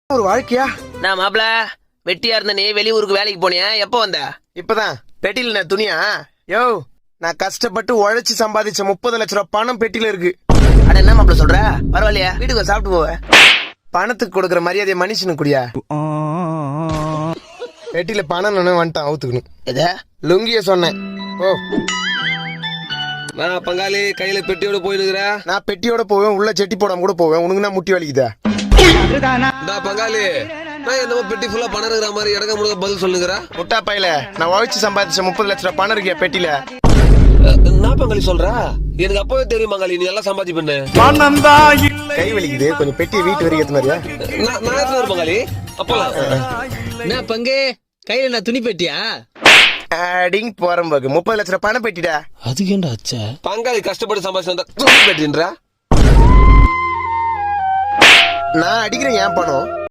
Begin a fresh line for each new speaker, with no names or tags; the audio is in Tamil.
ஒரு வாழ்க்கையா?
நான் மாப்பிள வெட்டியா இருந்த நீ வெளியூருக்கு வேலைக்கு போனியா? எப்போ வந்த?
இப்பதான் பெட்டியில நான் துணியா? யோ, நான் கஷ்டப்பட்டு உழைச்சு சம்பாதிச்ச 30 லட்சம் ரூபாய் பணம் பெட்டியில இருக்கு.
அட என்ன மாப்பிள சொல்ற? பரவாயில்லையா, வீட்டுக்கு சாப்பிட்டு போவேன்.
பணத்துக்கு கொடுக்கற மரியாதையை மனுஷனுக்கு குடியா? பெட்டியில பணம் வந்துட்டான், அவுத்துக்கணும்.
எத
லுங்கிய சொன்னேன். ஓ,
நான் பங்காளி கையில பெட்டியோட போயிருக்கிற.
நான் பெட்டியோட போவேன், உள்ள செட்டி போடாம கூட போவேன். உனக்கு நான் முட்டி வலிக்குதா?
பங்காளி நான் என்னமோ பெட்டி ஃபுல்லா பணம் இருக்கிற மாதிரி இடக்க முழுக்க பதில் சொல்லுங்கிற.
முட்டா பையில, நான் உழைச்சு சம்பாதிச்ச 30 லட்சம் ரூபாய் பணம் இருக்கியா பெட்டியில?
நான் பங்காளி சொல்ற, எனக்கு அப்பவே தெரியும் பங்காளி நீ எல்லாம் சம்பாதி பண்ணு.
கை வலிக்குது, கொஞ்சம் பெட்டியை வீட்டு வரைக்கும் ஏத்த மாதிரியா?
நான் எடுத்து வரேன் பங்காளி. அப்பலாம்
என்ன பங்கு கையில நான் துணி பெட்டியா?
அடிங் போறம்போக்கு 30 லட்சம் ரூபாய் பணம் பெட்டிடா.
அதுக்கு ஏன்டா அச்சா?
பங்காளி கஷ்டப்பட்டு சம்பாதிச்சு வந்தா துணி பெட்டின்றா.
நான் அடிக்கிறேன், ஏன் பணம்?